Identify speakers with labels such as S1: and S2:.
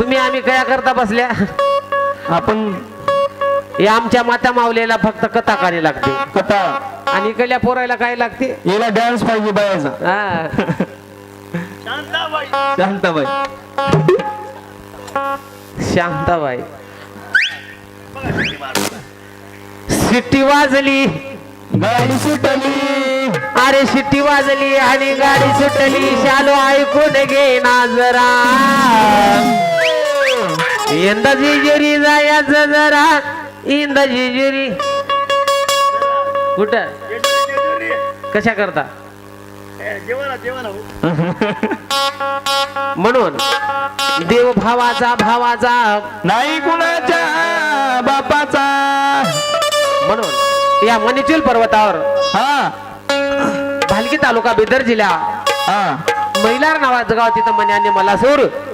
S1: तुम्ही आम्ही काय करता बसल्या
S2: आपण
S1: या आमच्या माता माऊलीला फक्त कथा काढी लागते
S2: कथा
S1: आणि इकडल्या पोरायला काय लागते
S2: याला डान्स पाहिजे बायाचा.
S1: हा
S2: शांताबाई
S1: शांताबाई शिट्टी वाजली
S2: गाडी सुटली
S1: अरे शिट्टी वाजली आणि गाडी सुटली शालू ऐकून घे ना जरा यंदा जेजुरी जायचं जरा इंदा जेजुरी कुठं कशा करता म्हणून देव भावाचा
S2: नाही कुणाच्या बापाचा.
S1: म्हणून या मणिचूल पर्वतावर
S2: हा
S1: भालकी तालुका बिदर जिल्हा
S2: हा
S1: मैलार नावाचं गाव तिथं मन्याने मला सोड